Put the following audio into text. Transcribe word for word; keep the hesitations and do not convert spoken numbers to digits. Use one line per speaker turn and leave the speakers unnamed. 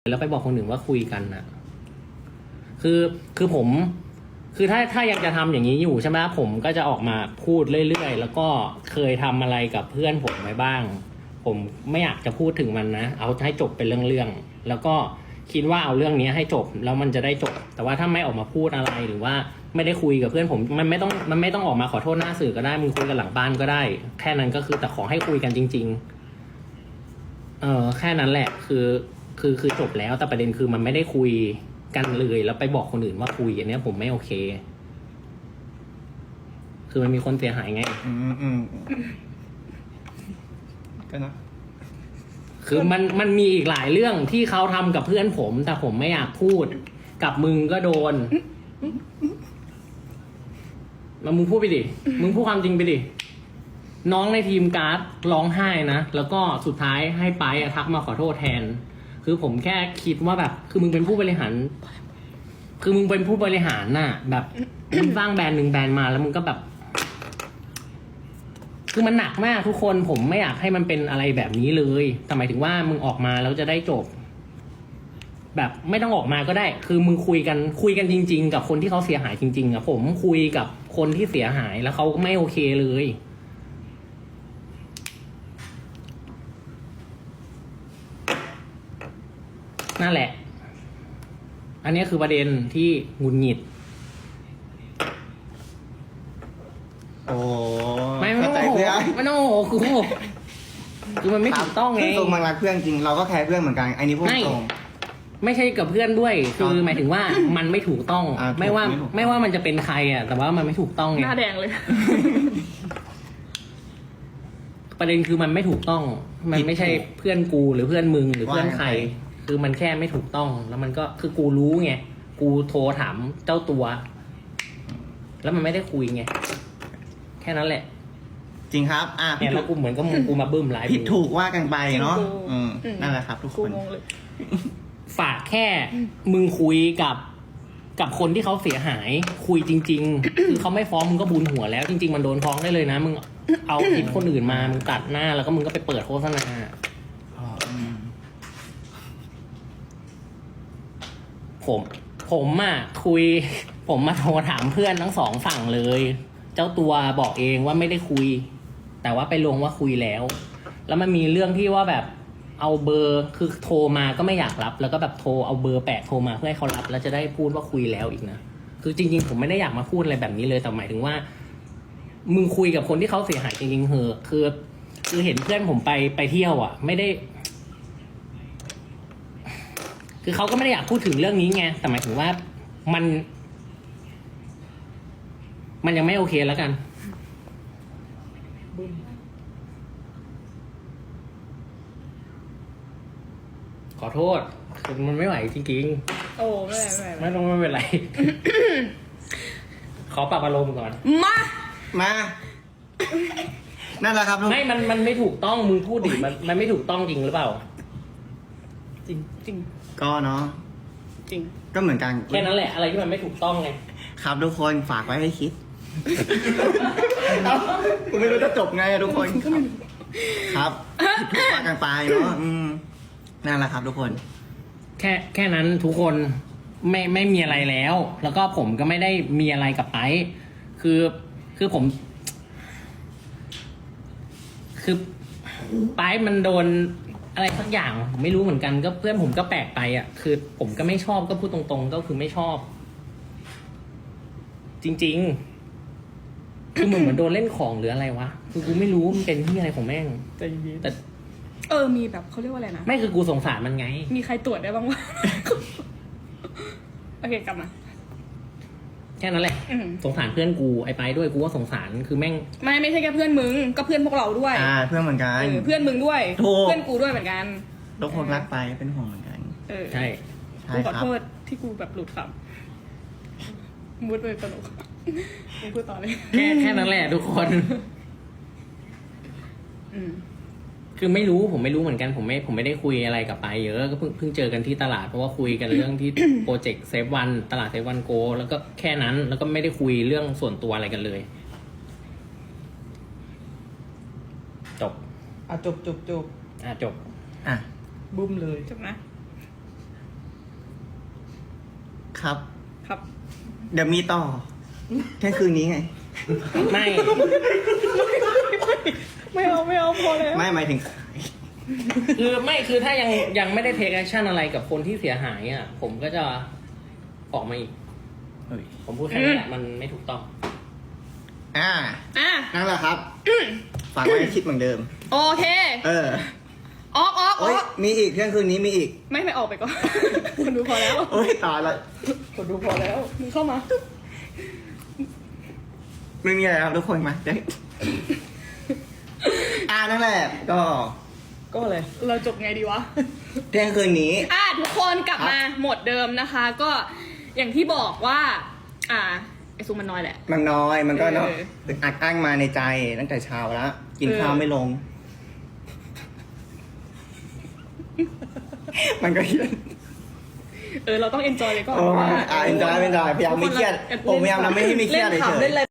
แล้วไปบอกคนอื่นว่าคุยกันนะคือคือผม คือถ้าถ้ายังจะทำอย่างนี้อยู่ใช่ไหมผมก็จะออกมาพูดเรื่อยๆแล้วก็เคยทำอะไรกับเพื่อนผมไว้บ้าง ผมไม่อยากจะพูดถึงมันนะเอาให้จบเป็นเรื่องๆแล้วก็คิดว่าเอาเรื่องนี้ให้จบแล้วมันจะได้จบแต่ว่าถ้าไม่ออกมาพูดอะไรหรือว่าไม่ได้คุยกับเพื่อนผมมันไม่ต้องมันไม่ต้องออกมาขอโทษหน้าสื่อก็ได้มึงคุยกันหลังบ้านก็ได้ แค่นั้นก็คือแต่ขอให้คุยกันจริงๆเออแค่นั้นแหละคือคือคือจบแล้วแต่ประเด็นคือมันไม่ได้คุยกันเลยแล้วไปบอกคนอื่นว่าคุยอันนี้ผมไม่โอเค คือมันมีคนเสียหายไง
อืมอืมก็นะ
คือมันมันมีอีกหลายเรื่องที่เขาทำกับเพื่อนผม แต่ผมไม่อยากพูดกับมึงก็โดนมามึงพูดไปดิมึงพูดความจริงไปดิน้องในทีมการ์ดร้องไห้นะแล้วก็สุดท้ายให้ไปอะทักมาขอโทษแทน คือผมแค่คิดว่าแบบ คือมึงเป็นผู้บริหาร คือมึงเป็นผู้บริหารน่ะ แบบมึงสร้างแบรนด์หนึ่งแบรนด์มาแล้วมึงก็แบบ คือมันหนักมากทุกคนผมไม่อยากให้มันเป็นอะไรแบบนี้เลยแต่หมายถึงว่ามึงออกมาแล้วจะได้จบ แบบไม่ต้องออกมาก็ได้ คือมึงคุยกันคุยกันจริงๆกับคนที่เขาเสียหายจริงๆอ่ะผมคุยกับคนที่เสียหายแล้วเขาไม่โอเคเลยนั่นแหละ อันนี้คือประเด็นที่หงุดหงิด
โอ้
ไม่ไม่
เข้า
ต้อง
ใจ
โอ้โห
เพื่อน
ไม่ต้องโอ้โหคือคือมันไม่ถูกต้องไง
คือตรงมันรักเพื่อนจริงเราก็แคร์เพื่อนเหมือนกันอันนี้พูด
ไม่
ตรง
ไม่ใช่กับเพื่อนด้วย คือหมายถึงว่ามันไม่ถูกต้อง
อ่าถูก
ไม่ว่า
ไม่ถูกต้อง
ไม่ว่ามันจะเป็นใครอ่ะ แต่ว่ามันไม่ถูกต้องไง
หน้าแดงเลย
ประเด็นคือมันไม่ถูกต้อง มันไม่ใช่เพื่อนกูหรือเพื่อนมึงหรือเพื่อนใคร คือมันแค่ไม่ถูกต้อง แล้วมันก็คือกูรู้ไง กูโทรถามเจ้าตัว แล้วมันไม่ได้คุยไง แค่นั้นแหละ
จริงครับ อ่ะ
เนี่ยแล้วกูเหมือนกับมึงกูมาบึ้มไลฟ์
ผิดถูกว่ากันไปเนาะ
จริงกู
อืม
อืม
นั่นแหละครับ ทุกค
กู
น
งงเลย
ฝากแค่มึงคุยกับกับคนที่เขาเสียหาย คุยจริง ๆ คือเขาไม่ฟ้องมึงก็บุญหัวแล้ว จริง ๆ มันโดนฟ้องได้เลยนะ มึงเอาผิดคนอื่นมา มึงตัดหน้าแล้วก็มึงก็ไปเปิดโฆษณา
อืม
ผม ผมอ่ะคุย ผมมาโทรถามเพื่อนทั้งสองฝั่งเลย เจ้าตัวบอกเองว่าไม่ได้คุย แต่ว่าไปลงว่าคุยแล้ว แล้วมันมีเรื่องที่ว่าแบบเอาเบอร์คือโทรมาก็ไม่อยากรับ แล้วก็แบบโทรเอาเบอร์แปะโทรมาเพื่อให้เขารับ แล้วจะได้พูดว่าคุยแล้วอีกนะคือจริงๆผมไม่ได้อยากมาพูดอะไรแบบนี้เลยแต่หมายถึงว่า มึงคุยกับคนที่เขาเสียหายจริงๆเหอะคือคือเห็นเพื่อนผมไปไปเที่ยวอ่ะ ไม่ได้ คือเขาก็ไม่ได้อยากพูดถึงเรื่องนี้ไงแต่หมายถึงว่ามัน มันยังไม่โอเคแล้วกัน ขอโทษคือมันไม่ไหวจริง
โอ้ไม่ไม่
ๆ ไม่ต้องไม่เป็นไร ขอปรับอารมณ์ก่อน
มา
มา นั่นแหละครับทุก
ไม่ มัน มันไม่ถูกต้อง มึงพูดดิ มัน มันไม่ถูกต้องจริงหรือเปล่า
จริงจริง
ก็เนาะ
จริง
ก็เหมือนกัน
แค่นั้นแหละ อะไรที่มันไม่ถูกต้องไง
ครับทุกคนฝากไว้ให้คิดผมไม่รู้จะจบไงอะทุกคนครับผิดถูกว่ากันไปเนาะอืมนั่นแหละครับทุกคน
แค่แค่นั้นทุกคนไม่ไม่มีอะไรแล้ว แล้วก็ผมก็ไม่ได้มีอะไรกับไปคือคือผม คือไปมันโดนอะไรสักอย่างผมไม่รู้เหมือนกันก็เพื่อนผมก็แปลกไปอ่ะ คือผมก็ไม่ชอบก็พูดตรงๆ ก็คือไม่ชอบ จริงๆ คือเหมือนเหมือนโดนเล่นของหรืออะไรวะคือกูไม่รู้มันเป็นที่อะไรของแม่ง
ใจเย็น
แต่
เออมีแบบเขาเรียกว่าอะไรนะ
ไม่คือกูสงสารมันไง
มีใครตรวจได้บ้างวะ โอเคกลับมา
แค่นั้นแหละ
อืม
สงสารเพื่อนกูไอ้ไปด้วยกูก็สงสารคือแม่ง
ไม่ไม่ใช่แค่เพื่อนมึงก็เพื่อนพวกเราด้วย
อ่า เพื่อนเหมือนกัน
เออเพื่อนมึงด้วย
ถูก
เพื่อนกูด้วยเหมือนกัน
ทุกคนรักไปเป็นห่วงเหมือนกัน
เออ
ใช่
ใช่
กูขอ
ครับ
โทษที่กูแบบหลุดคำมุดเลยตลกมึงพูดต่อเลย
แค่แค่นั้นแหละทุกคน
อืม
คือไม่รู้ผมไม่รู้เหมือนกันผมไม่ผมไม่ได้คุยอะไรกับไปเยอะก็เพิ่งเพิ่งเจอกันที่ตลาดเพราะว่าคุยกันเรื่องที่ โปรเจกต์เซฟวันตลาดเซฟวันโกแล้วก็แค่นั้นแล้วก็ไม่ได้คุยเรื่องส่วนตัวอะไรกันเลย จบ
อ่ะจบจบจบ
อ่ะจบ
อ่ะ
บุ้มเลย
จบนะ
ครับ
ครับ
เดี๋ยวมีต่อเที่ยงคืนนี้ไง
ไม่
ไม่เอาไม่เอาพอแล้ว
ไม่หมายถึง
คือไม่คือถ้ายังยังไม่ได้เทคแอคชั่นอะไรกับคนที่เสียหายอ่ะ ผมก็จะออกมาอีก
เฮ้ย
ผมพูดแค่นี้แหละมันไม่ถูกต้อง
อ่า
อ่ะ
นั่นแหละครับฝากไว้ให้คิดเหมือนเดิม
โอเค
เออ
ออกออกอ
โอ้ย
อก
มีอีกเที่ยงคืนนี้มีอีก
ไม่ไม่ออกไปก่อน คนดูพอแล้ว
โอ้ยตายละ
คนดูพอแล้วมึงเข้ามา
ไม่มีอะไรครับทุกคนมาเดี๋ยวอ่านั่นแหละ ก็
ก็เลยเราจบไงดีวะ
เที่ยงคืนนี้
อ่ะทุกคนกลับมาหมดเดิมนะคะ ก็อย่างที่บอกว่า อ่าไอซูมันน้อยแหละ
มันน้อยมันก็เนาะ
เออ
อึดอัดอั้งมาในใจตั้งแต่เช้าแล้ว กิน
เออ
ข้าวไม่ลง มันก็เยอะ
เออเราต้องเอนจอยไปก่อน
โอ้
เพราะว่า
อ่าเอ็นจอยเอ็นจอยพยายามไม่เครียด ผมพยายามทำไม่ให้มีเครียด
เล่น
เฉ
ขำ
ย
เล่นอะไร